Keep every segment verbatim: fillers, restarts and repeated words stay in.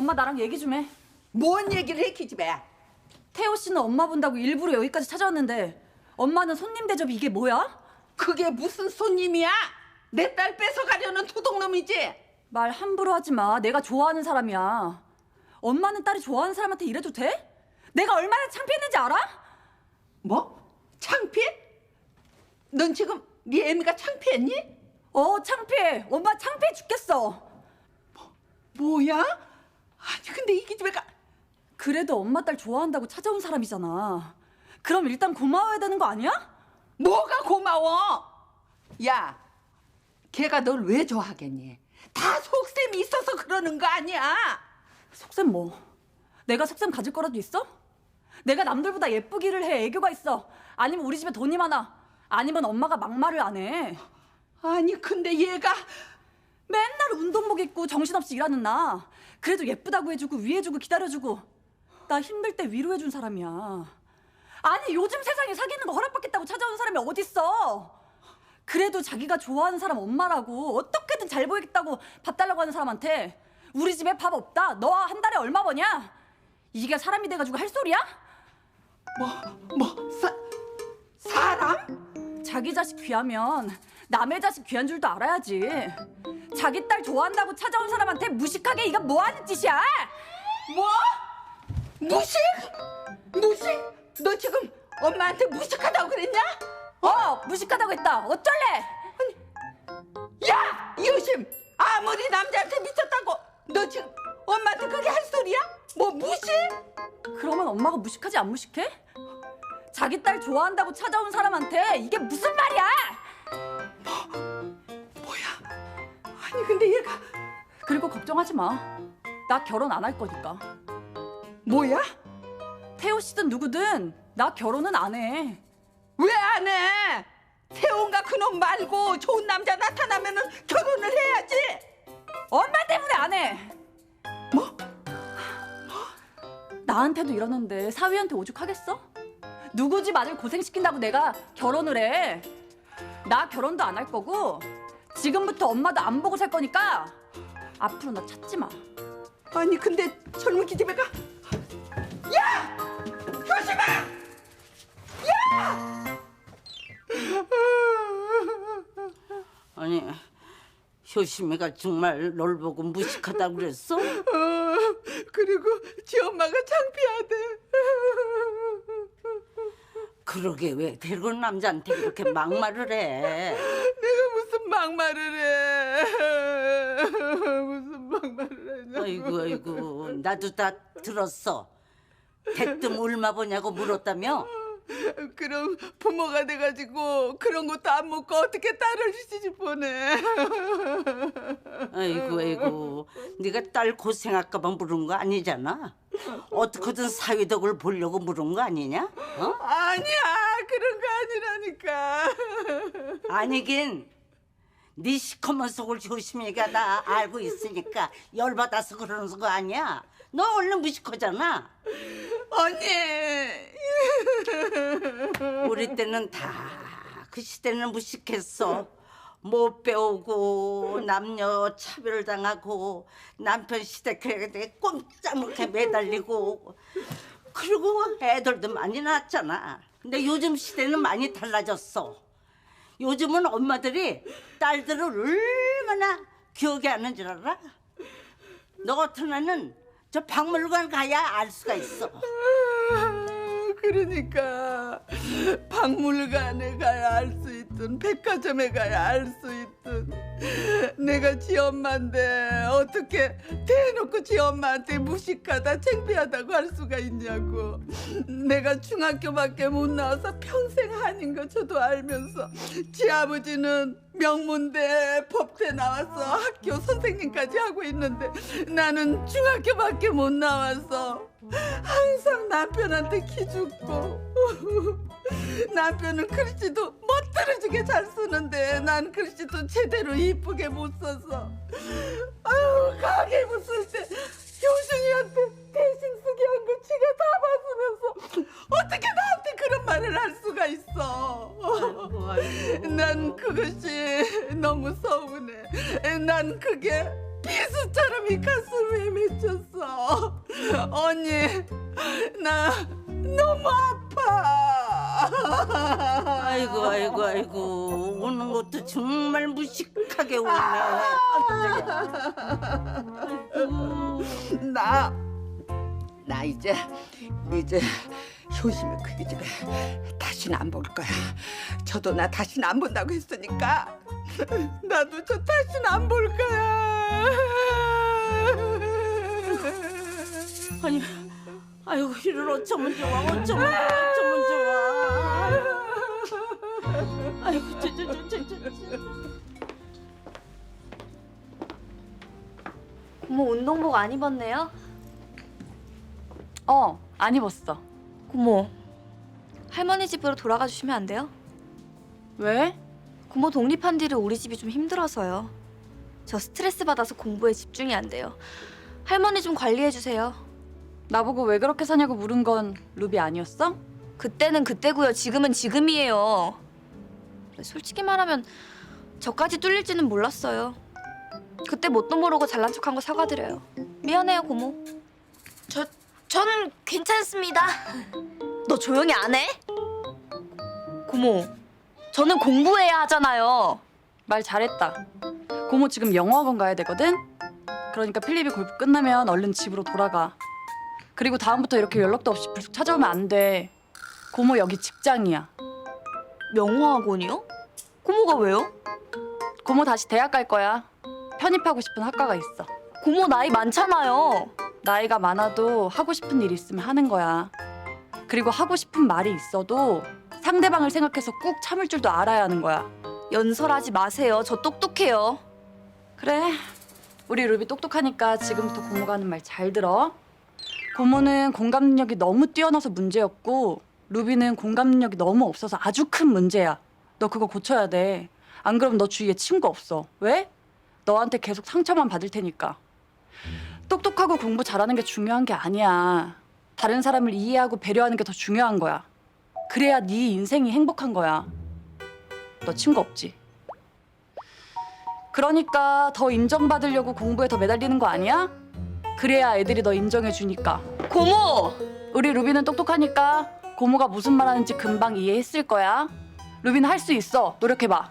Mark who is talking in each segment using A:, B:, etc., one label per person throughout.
A: 엄마 나랑 얘기 좀 해.
B: 뭔 얘기를 해, 기집애야?
A: 태호 씨는 엄마 본다고 일부러 여기까지 찾아왔는데 엄마는 손님 대접이 이게 뭐야?
B: 그게 무슨 손님이야? 내 딸 뺏어가려는 도둑놈이지?
A: 말 함부로 하지 마. 내가 좋아하는 사람이야. 엄마는 딸이 좋아하는 사람한테 이래도 돼? 내가 얼마나 창피했는지 알아?
B: 뭐? 창피해? 넌 지금 네 애미가 창피했니?
A: 어, 창피해. 엄마 창피해 죽겠어.
B: 뭐, 뭐야? 아니 근데 이 기집애가
A: 그래도 엄마 딸 좋아한다고 찾아온 사람이잖아. 그럼 일단 고마워야 되는 거 아니야?
B: 뭐가 고마워? 야, 걔가 널 왜 좋아하겠니? 다 속셈이 있어서 그러는 거 아니야?
A: 속셈 뭐? 내가 속셈 가질 거라도 있어? 내가 남들보다 예쁘기를 해, 애교가 있어. 아니면 우리 집에 돈이 많아. 아니면 엄마가 막말을 안 해.
B: 아니 근데 얘가
A: 맨날 운동복 입고 정신없이 일하는 나. 그래도 예쁘다고 해주고 위해주고 기다려주고. 나 힘들 때 위로해준 사람이야. 아니 요즘 세상에 사귀는 거 허락받겠다고 찾아온 사람이 어딨어. 그래도 자기가 좋아하는 사람 엄마라고 어떻게든 잘 보이겠다고 밥 달라고 하는 사람한테 우리 집에 밥 없다. 너 한 달에 얼마 버냐? 이게 사람이 돼가지고 할 소리야?
B: 뭐, 뭐, 사, 사람?
A: 자기 자식 귀하면 남의 자식 귀한 줄도 알아야지. 자기 딸 좋아한다고 찾아온 사람한테 무식하게 이거 뭐 하는 짓이야?
B: 뭐? 무식? 무식? 너 지금 엄마한테 무식하다고 그랬냐?
A: 어, 무식하다고 했다. 어쩔래?
B: 아니, 야! 이효심! 아무리 남자한테 미쳤다고 너 지금 엄마한테 그게 할 소리야? 뭐 무식?
A: 그러면 엄마가 무식하지 안 무식해? 자기 딸 좋아한다고 찾아온 사람한테 이게 무슨 말이야?
B: 뭐, 뭐야? 아니 근데 얘가
A: 그리고 걱정하지 마. 나 결혼 안 할 거니까.
B: 뭐야?
A: 태호 씨든 누구든 나 결혼은 안 해.
B: 왜 안 해? 태훈가 그놈 말고 좋은 남자 나타나면은 결혼을 해야지.
A: 엄마 때문에 안 해.
B: 뭐?
A: 나한테도 이러는데 사위한테 오죽하겠어? 누구 집 아들 고생시킨다고 내가 결혼을 해. 나 결혼도 안 할 거고 지금부터 엄마도 안 보고 살 거니까 앞으로 나 찾지 마.
B: 아니 근데 젊은 기집애가 야! 효심아! 야!
C: 아니 효심이가 정말 널 보고 무식하다고 그랬어?
B: 어, 그리고 지 엄마가 창피하대.
C: 그러게 왜 데리고 남자한테 그렇게 막말을 해?
B: 내가 무슨 막말을 해? 무슨 막말을 하냐고.
C: 아이고 아이고 나도 다 들었어. 대뜸 얼마 버냐고 물었다며?
B: 그럼 부모가 돼가지고 그런 것도 안 먹고 어떻게 딸을 시집 보내?
C: 아이고 아이고 네가 딸 고생할까 봐 물은 거 아니잖아. 어떻게든 사위덕을 보려고 물은 거 아니냐? 어?
B: 아니야 그런 거 아니라니까.
C: 아니긴 네 시커먼 속을 효심이가 다 알고 있으니까 열받아서 그러는 거 아니야? 너 얼른 무식하잖아.
B: 언니.
C: 우리 때는 다 그 시대는 무식했어. 못 배우고 남녀 차별당하고 남편 시댁에 꼼짝 못해 매달리고 그리고 애들도 많이 낳았잖아. 근데 요즘 시대는 많이 달라졌어. 요즘은 엄마들이 딸들을 얼마나 귀하게 하는 줄 알아? 너 같은 애는 저 박물관 가야 알 수가 있어.
B: 그러니까 박물관에 가야 알 수 있든 백화점에 가야 알 수 있든 내가 지 엄마인데 어떻게 대놓고 지 엄마한테 무식하다 창피하다고 할 수가 있냐고. 내가 중학교밖에 못 나와서 평생 한인 거 저도 알면서 지 아버지는 명문대 법대 나와서 학교 선생님까지 하고 있는데 나는 중학교밖에 못 나와서 항상 남편한테 기죽고 남편은 글씨도 멋들어지게 잘 쓰는데 난 글씨도 제대로 이쁘게 못 써서 아유 가게 입었을 때 효순이한테 대신 쓰게 한 거 지가 다 받으면서 어떻게 나한테 그런 말을 할 수가 있어.
C: 아이고, 아이고.
B: 난 그것이 너무 서운해. 난 그게 비수처럼 이 가슴에 맺혔어. 언니, 나 너무 아파.
C: 아이고 아이고 아이고 우는 것도 정말 무식하게 우네.
B: 나, 나 이제 이제 효심이 크기 집에 다시는 안 볼 거야. 저도 나 다시는 안 본다고 했으니까 나도 저 다시는 안 볼 거야.
C: 아니 아이고 이를 어쩌면 좋아 어쩌면 좋아 어쩌면 좋아. 아이고 저저저저저
D: 고모 운동복 안 입었네요?
A: 어, 안 입었어.
D: 고모, 할머니 집으로 돌아가 주시면 안 돼요?
A: 왜?
D: 고모 독립한 뒤로 우리 집이 좀 힘들어서요. 저 스트레스 받아서 공부에 집중이 안 돼요. 할머니 좀 관리해 주세요.
A: 나보고 왜 그렇게 사냐고 물은 건 루비 아니었어?
D: 그때는 그때고요. 지금은 지금이에요. 솔직히 말하면 저까지 뚫릴지는 몰랐어요. 그때 뭣도 모르고 잘난 척한 거 사과드려요. 미안해요, 고모. 저, 전 괜찮습니다. 너 조용히 안 해? 고모, 저는 공부해야 하잖아요.
A: 말 잘했다. 고모 지금 영어학원 가야 되거든? 그러니까 필립이 골프 끝나면 얼른 집으로 돌아가. 그리고 다음부터 이렇게 연락도 없이 불쑥 찾아오면 안 돼. 고모 여기 직장이야.
D: 영어학원이요? 고모가 왜요?
A: 고모 다시 대학 갈 거야. 편입하고 싶은 학과가 있어.
D: 고모 나이 많잖아요.
A: 나이가 많아도 하고 싶은 일 있으면 하는 거야. 그리고 하고 싶은 말이 있어도 상대방을 생각해서 꾹 참을 줄도 알아야 하는 거야.
D: 연설하지 마세요. 저 똑똑해요.
A: 그래, 우리 루비 똑똑하니까 지금부터 고모가 하는 말 잘 들어. 고모는 공감 능력이 너무 뛰어나서 문제였고 루비는 공감 능력이 너무 없어서 아주 큰 문제야. 너 그거 고쳐야 돼. 안 그럼 너 주위에 친구 없어. 왜? 너한테 계속 상처만 받을 테니까. 똑똑하고 공부 잘하는 게 중요한 게 아니야. 다른 사람을 이해하고 배려하는 게 더 중요한 거야. 그래야 네 인생이 행복한 거야. 너 친구 없지? 그러니까 더 인정받으려고 공부에 더 매달리는 거 아니야? 그래야 애들이 너 인정해 주니까.
D: 고모!
A: 우리 루비는 똑똑하니까 고모가 무슨 말하는지 금방 이해했을 거야. 루비는 할 수 있어. 노력해봐.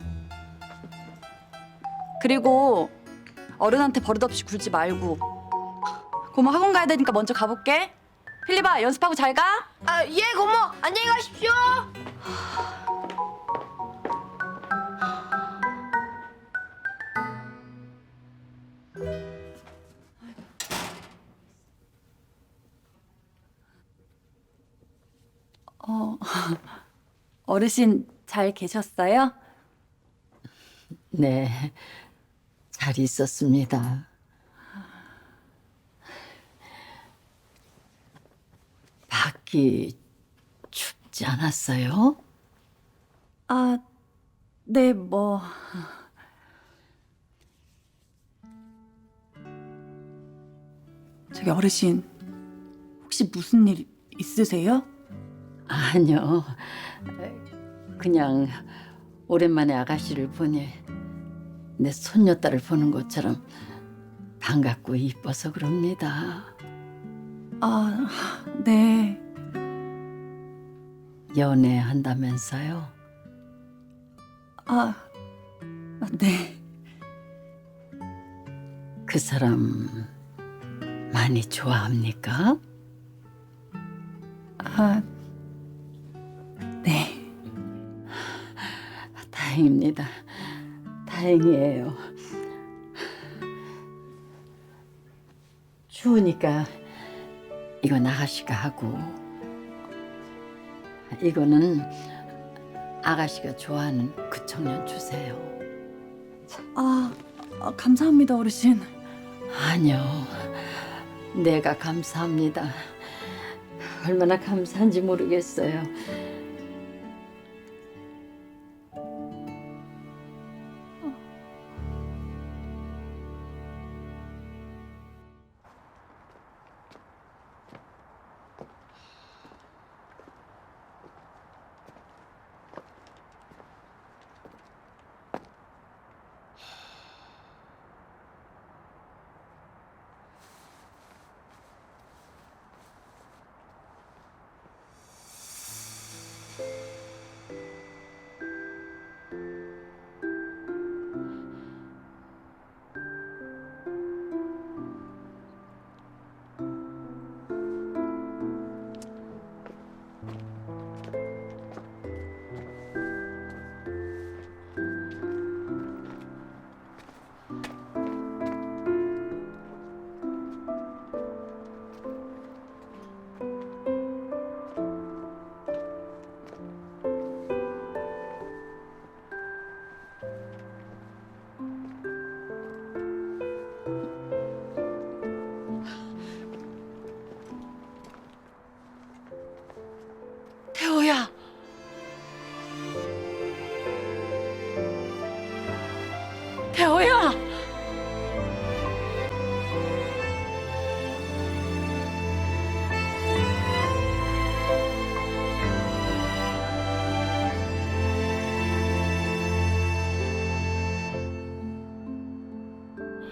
A: 그리고 어른한테 버릇없이 굴지 말고. 고모 학원 가야 되니까 먼저 가볼게. 필리바 연습하고 잘 가.
D: 아, 예, 고모. 안녕히 가십시오.
A: 어, 어르신 잘 계셨어요?
E: 네, 잘 있었습니다. 밖이 춥지 않았어요?
A: 아, 네, 뭐. 저기 어르신, 혹시 무슨 일 있으세요?
E: 아니요, 그냥 오랜만에 아가씨를 보니 내 손녀딸을 보는 것처럼 반갑고 이뻐서 그럽니다.
A: 아, 네.
E: 연애한다면서요?
A: 아, 아, 네.
E: 그 사람 많이 좋아합니까?
A: 아, 네.
E: 다행입니다. 다행이에요. 추우니까 이건 아가씨가 하고 이거는 아가씨가 좋아하는 그 청년 주세요.
A: 아, 아, 감사합니다, 어르신.
E: 아니요, 내가 감사합니다. 얼마나 감사한지 모르겠어요.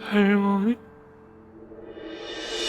F: 할머니?